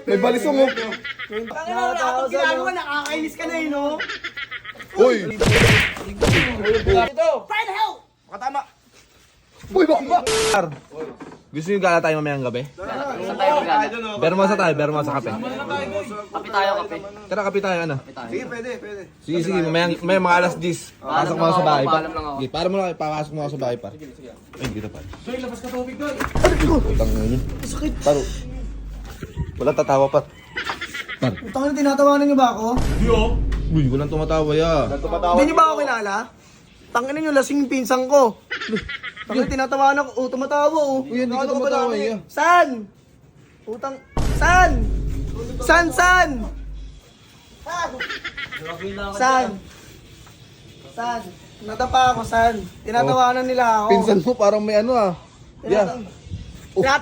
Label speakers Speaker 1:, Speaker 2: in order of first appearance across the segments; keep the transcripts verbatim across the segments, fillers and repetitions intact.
Speaker 1: May balisong oh.
Speaker 2: Ang ina, wala akong ginagawa, nakakainis ka na eh, no?
Speaker 1: Uy!
Speaker 3: Ito!
Speaker 2: Find help!
Speaker 3: Makatama!
Speaker 1: Uy, bakba!
Speaker 4: Gusto nyo gala tayo mamayang gabi?
Speaker 5: Saan tayo magana?
Speaker 4: Bermosa tayo, bermosa kape.
Speaker 5: Kape tayo, kape.
Speaker 4: Tara, kape tayo, ano?
Speaker 3: Sige, pwede, pwede.
Speaker 4: Sige, sige, mamayang, may mga alas dix. Pasok mo ako sa bahay pa.
Speaker 5: Paalam lang ako.
Speaker 4: Sige, para mo lang, papasok mo ako sa bahay pa. Ay, dito pa.
Speaker 3: Soy, labas ka tubig doon.
Speaker 4: Utang na yun. Paro. Wala tatawa pa.
Speaker 2: Utang na, tinatawanan niyo ba ako?
Speaker 4: Uy, walang tumatawa ya.
Speaker 2: Hindi niyo ba ako kilala? Tangin niyo, lasing yung pinsan ko. Tangin, tinatawanan ko. Oh, tumatawa oh.
Speaker 4: Uy, hindi ka
Speaker 2: Ano ba
Speaker 4: tumatawa
Speaker 2: namin?
Speaker 4: ya.
Speaker 2: San? Utang... San? San, san? San? San? Natapa ako, san? Tinatawanan nila ako.
Speaker 4: Pinsan mo parang may ano ah. Yeah.
Speaker 2: Tinat...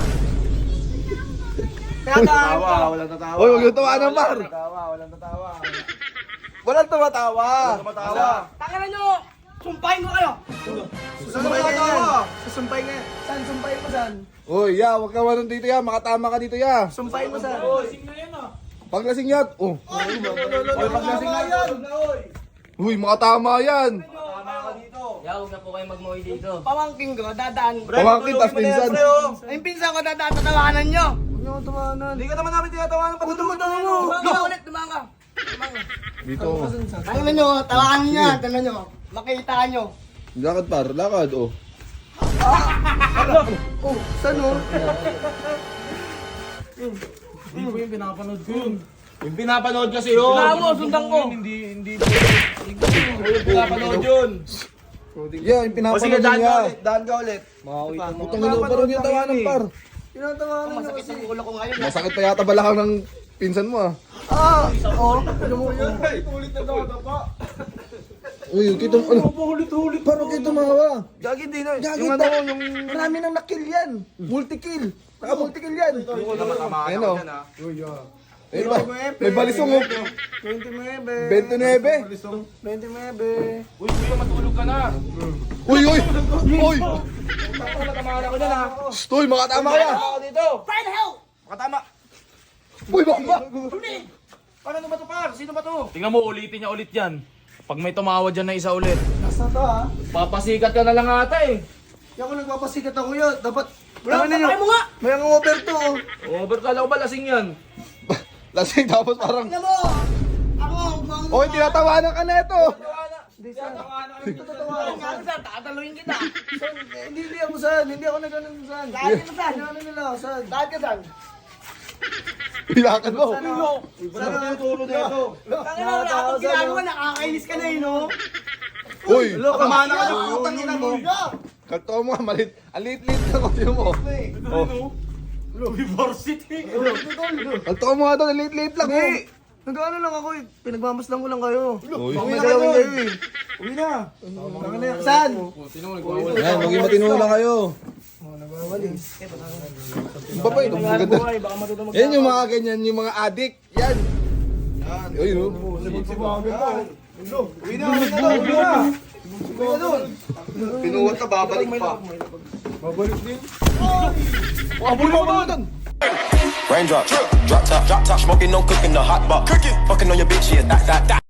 Speaker 2: Tinatawanan ko.
Speaker 3: Walang tatawa.
Speaker 4: Uy, huwag yung tawanan, par.
Speaker 3: Tatawa, walang tatawa.
Speaker 4: Walang tumatawa.
Speaker 3: Tumatawa.
Speaker 2: Tanginan nyo! Sumpahin ko kayo! Susumpahin ka yan. Susumpahin ka yan. San? Sumpahin mo san?
Speaker 4: Uy, ya, huwag ka manon dito ya. Makatama ka dito ya.
Speaker 2: Sumpahin mo san?
Speaker 4: Paglasing yan. Oh.
Speaker 3: Oy, paglasing na yan.
Speaker 4: Uy, makatama yan.
Speaker 3: Tama ka dito.
Speaker 5: Ya, huwag na po kayo magmuwi dito.
Speaker 2: Pamangking ko, dadaan.
Speaker 4: Pamangkin, tas pinsan.
Speaker 2: Ay, pinsan ko, dadaan, tatawanan nyo. Huwag nyo tawanan.
Speaker 3: Hindi ka naman namin tinatawanan.
Speaker 2: Huwag tumatawa mo. Dumanga ka ulit, dumanga.
Speaker 4: Dito.
Speaker 2: Tanginan nyo, tawanan nyo. Tanginan nyo. Makita nyo.
Speaker 4: Lakad par, lakad. Oh.
Speaker 2: Oh, saan o?
Speaker 3: Hindi po yung pinapanood ko yun. Yung pinapanood kasi yun.
Speaker 2: Wala mo, sundan ko.
Speaker 3: Hindi, hindi. Hindi yung pinapanood yun.
Speaker 4: Yeah, yung
Speaker 3: O
Speaker 4: pinapanood
Speaker 3: sige, daan ka
Speaker 4: niya.
Speaker 3: ulit. Daan ka ulit.
Speaker 4: Utang ina, parang yung tawanan par.
Speaker 2: Tinatawanan nyo
Speaker 5: Masakit
Speaker 2: kasi.
Speaker 5: ang ulo ko ngayon.
Speaker 4: Masakit pa yata balakang ng pinsan mo ah.
Speaker 2: Ah, oh. Ano mo yun?
Speaker 3: Ulit na daw pa.
Speaker 4: Uy, kita mo, ano?
Speaker 3: Hulit-hulit.
Speaker 4: Parang kita mahawa.
Speaker 3: Gagi din na.
Speaker 4: Gagi
Speaker 3: Yung
Speaker 4: pa.
Speaker 3: ano, yung...
Speaker 2: Marami nang nakill yan. Multi-kill. Naka-multi-kill yan.
Speaker 3: Yung naman tama
Speaker 4: Ayun,
Speaker 3: ka
Speaker 4: oh.
Speaker 3: dyan ah.
Speaker 4: Ayun ba? May balisong oh.
Speaker 2: twenty-nine.
Speaker 4: twenty-nine.
Speaker 2: twenty-nine.
Speaker 3: Uy, kuya, matulog ka na.
Speaker 4: Uy, uy! Uy!
Speaker 3: Takot na tamahan ako dyan ah.
Speaker 4: Stoy, makatama ka ya!
Speaker 3: Ako dito.
Speaker 2: Find help!
Speaker 3: Makatama.
Speaker 4: Uy, bakba!
Speaker 3: Paano ba to par? Sino ba to? Tingnan mo, ulitin niya ulit yan. Pag may tumawa dyan na isa ulit,
Speaker 2: Nasa to ha?
Speaker 3: papasikat ka na lang ata eh.
Speaker 2: Yan ko nagpapasikat ako yun. Dapat...
Speaker 5: Wala,
Speaker 2: Tama ninyo.
Speaker 5: patay mo nga!
Speaker 2: May ang over to oh.
Speaker 3: Over kala ko ba lasing yan?
Speaker 4: Lasing tapos parang...
Speaker 2: Tingnan mo! Ako, bang...
Speaker 4: Oy, tinatawanan ka na ito!
Speaker 2: Hindi saan. Tatawanan ka.
Speaker 5: Saan? Tataluin kita!
Speaker 2: Saan? Eh, Hindi, hindi ako saan. Hindi ako nagano'n saan. Lahat ka saan? Ano nila? Saan? Lahat ka saan?
Speaker 4: Pilakad mo!
Speaker 3: Saan ang tuturo dito?
Speaker 2: Tangina, wala akong ginagawa. Nakakainis ka na eh, no?
Speaker 4: Uy!
Speaker 3: Tamahan na ka dyan.
Speaker 2: Putang ina mo.
Speaker 4: Kalto mo nga, malit. Ang liit-liit na kotse mo. Oh.
Speaker 3: University.
Speaker 4: Kalto mo nga doon, ang liit-liit lang.
Speaker 2: Hindi. Nag-ano lang ako eh. Pinagmamasdan ko lang kayo.
Speaker 4: Uy.
Speaker 2: Baka may galawin kayo eh.
Speaker 3: Uwi na.
Speaker 2: Tangina, saan?
Speaker 4: Yan, maging matino lang kayo.
Speaker 2: Oh, nagwawalis.
Speaker 4: Iba pa yun, ang ganda. Yan yung mga ganyan, yung mga adik. Yan. Uy, no?
Speaker 3: Uwi na, uwi na doon, uwi na. Uwi na doon.
Speaker 4: Pinuwat na, babalik pa. Babalik din. Oh, abul mo ba doon?
Speaker 6: Raindrop, drop top, drop top, smoking, no cooking, the hot box. Cooking, fucking on your bitch, yeah, that, that, that.